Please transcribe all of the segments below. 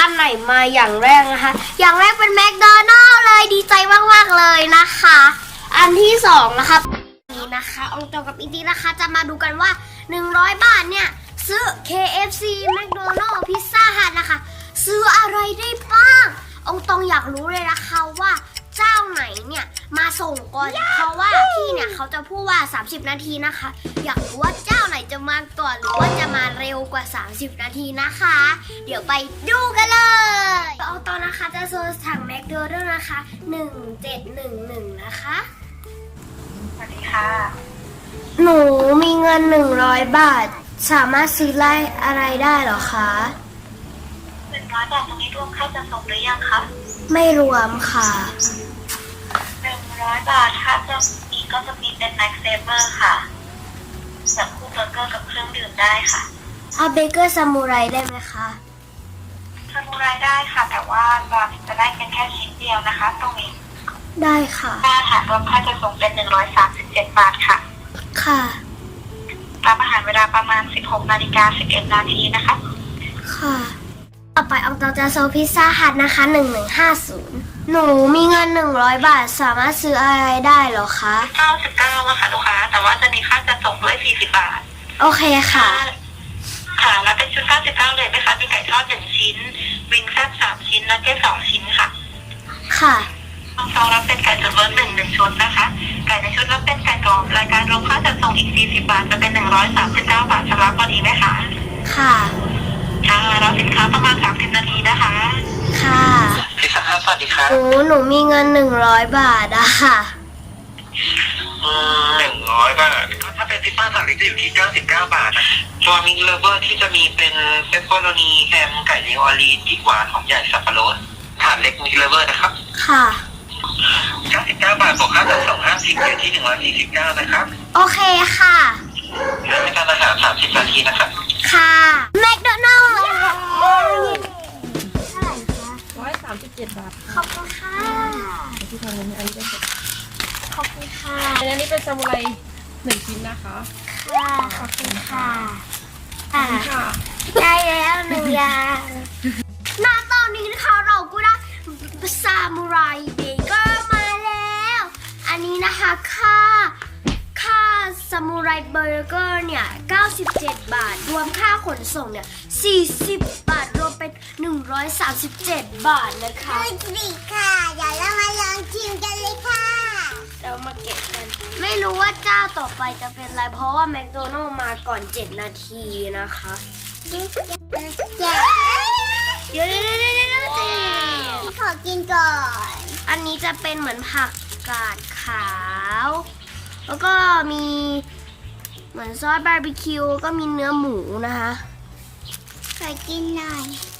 อันไหนมาอย่างแรกนะคะอย่างแรกเป็นแมคโดนัลด์เลยดีใจมากๆเลยนะคะอันที่สองนะคะนี่นะคะองค์ตองกับอีทีนะคะจะมาดูกันว่า100 บาทเนี่ยซื้อ KFC แมคโดนัลด์พิซซ่าฮัทนะคะซื้ออะไรได้บ้างองตองอยากรู้เลยนะคะว่าเจ้าไหนเนี่ยมาส่งก่อนเพราะว่าที่เนี่ยเขาจะพูดว่า30 นาทีนะคะอยากรู้ว่าเจ้าไหนจะมาก่อนหรือว่าจะมาเร็วกว่า30 นาทีนะคะเดี๋ยวไปดูกันเลยองตองนะคะจะสั่งแมคโดนัลด์นะคะ1711นะคะสวัสดีค่ะหนูมีเงิน100 บาทสามารถซื้ออะไรได้เหรอคะ 100 บาทตรงนี้รวมค่าจัดส่งหรือยังคะไม่รวมค่ะ 100 บาทถ้าจะมีก็จะมีเป็น Max Saver ค่ะแบบคู่เบอร์เกอร์กับเครื่องดื่มได้ค่ะเอาเบเกอร์ซามูไรได้ไหมคะซามูไรได้ค่ะแต่ว่าจะได้เป็นแค่ชิ้นเดียวนะคะตรงนี้ได้ค่ะอาหารรวมค่าจัดส่งเป็น137 บาทค่ะค่ะรับอาหารเวลาประมาณ 16:11 นาทีนะคะค่ะต่อไปอองตองจะโซพิซซ่าฮัทนะคะ1150หนูมีเงิน100 บาทสามารถซื้ออะไรได้เหรอคะ 99อะค่ะลูกค้าแต่ว่าจะมีค่าจัดส่งด้วย40 บาทโอเคค่ะค่ะแล้วเป็นชุด99เลยไหมคะมีไก่ทอด1 ชิ้นวิงแซ่บ3 ชิ้นนักเก็ต2 ชิ้นค่ะค่ะต้องรับเป็นไก่ตุ๋นเบอร์1 ชุดนะคะไก่ในชุดรับเป็นไก่กรอบรายการรวมค่าจัดส่งอีก40 บาทจะเป็น139 บาทชำระพอดีไหมคะค่ะค่ะรับสินค้าประมาณ30 นาทีนะคะค่ะพิซซ่าสวัสดีครับหนูมีเงิน100 บาทอะค่ะ 100 บาทก็ถ้าเป็นพิซซ่าถาดเล็กจะอยู่ที่99 บาทนะตัวมิกเลเวอร์ที่จะมีเป็นเปปเปอโรนีแฮมไก่นิวออร์ลีนที่หวานหอมใหญ่สับปะรดถาดเล็กมิกเลเวอร์นะครับค่ะ 99 บาทบวกค่าจัดส่ง50อยู่ที่149นะครับโอเคค่ะในการอาหาร30 นาทีนะครับค่ะแมคโดนัลด์ 137 บาทขอบคุณค่ะที่ทำเงินอันนี้เป็นขอบคุณค่ะอันนี้เป็นซามูไร1 ชิ้นนะคะค่ะขอบคุณค่ะค่ะได้แล้ว1 อย่างณตอนนี้นะคะเราก็ได้ซามูไรเบเกอร์มาแล้วอันนี้นะคะค่าซามูไรเบเกอร์เนี่ย97 บาทรวมค่าขนส่งเนี่ย40 บาทรวมเป็น137 บาทนะคะดีค่ะเดี๋ยวเรามาลองชิมกันเลยค่ะเรามาเก็บกันไม่รู้ว่าเจ้าต่อไปจะเป็นอะไรเพราะว่าแมคโดนัลด์มาก่อน7 นาทีนะคะเดี๋ยวขอกินก่อนอันนี้จะเป็นเหมือนผักกาดขาวแล้วก็มีเหมือนซอสบาร์บีคิวก็มีเนื้อหมูนะคะขอกินหน่อย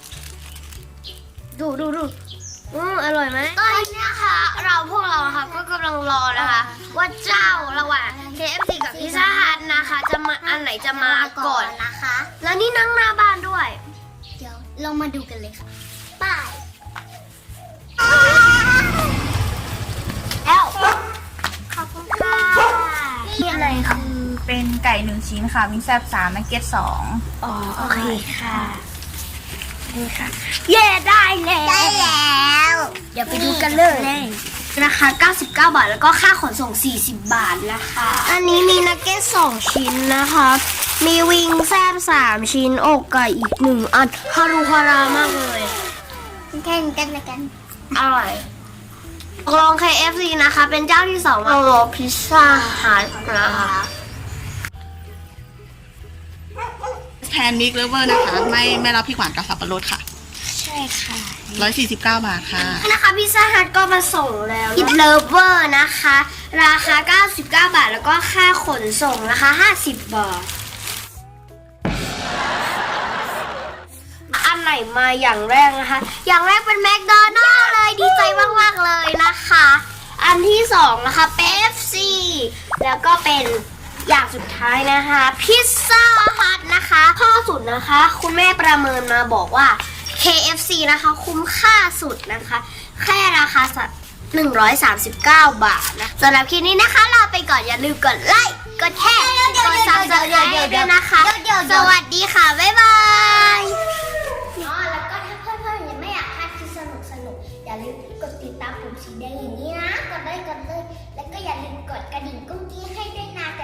ดูอร่อยไหมตอนนี้นะคะพวกเราค่ะก็กำลังรอนะคะว่าเจ้าระหว่าง KFC กับพิซซ่าฮัทนะคะจะมาอันไหนจะมาก่อนนะคะแล้วนี่นั่งหน้าบ้านด้วยเดี๋ยวเรามาดูกันเลยค่ะป้ายแล้วขอบคุณค่ะนี่อะไรคะเป็นไก่1 ชิ้นค่ะวิงแซ่บ3นักเก็ต2 อ๋อโอเคค่ะนี่ค่ะเย่ได้แล้วเดี๋ยวไปดูกันเลยนะคะ99 บาทแล้วก็ค่าขนส่ง40 บาทนะคะอันนี้มีนักเก็ต2 ชิ้นนะคะมีวิงแซ่บ3 ชิ้นอกไก่อีก1 อันฮารุฮารามากเลยแข่งกันละกันอร่อยลอง KFC นะคะเป็นเจ้าที่2มาลองพิซซ่าฮัทนะคะแทนมิกเลเวอร์นะคะไม่รับพริกหวานกับสับปะรดค่ะใช่ค่ะ 149 บาทค่ะนะคะพิซซ่าฮัทก็มาส่งแล้วพิซเลเวอร์นะคะราคา99 บาทแล้วก็ค่าขนส่งนะคะ50 บาทอันไหนมาอย่างแรกนะคะอย่างแรกเป็นแมคโดนัลด์เลยดีใจมากๆเลยนะคะอันที่2นะคะเป๊ปซี่แล้วก็เป็นอย่างสุดท้ายนะคะพิซซ่าฮัทนะคะข้อสุดนะคะคุณแม่ประเมินมาบอกว่า KFC นะคะคุ้มค่าสุดนะคะแค่ราคา139 บาทนะสำหรับคลิปนี้นะคะลาไปก่อนอย่าลืมกดไลค์กดแชร์กด Subscribe ด้วยนะคะสวัสดีค่ะบ๊ายบายแล้วก็ถ้าเพื่อนๆยังไม่ลืมกดติดตามปุ่มสีแดงอย่างนี้นะกดเลย แล้วก็อย่าลืมกดกระดิ่งกุ้งกี้ให้ด้วยนะ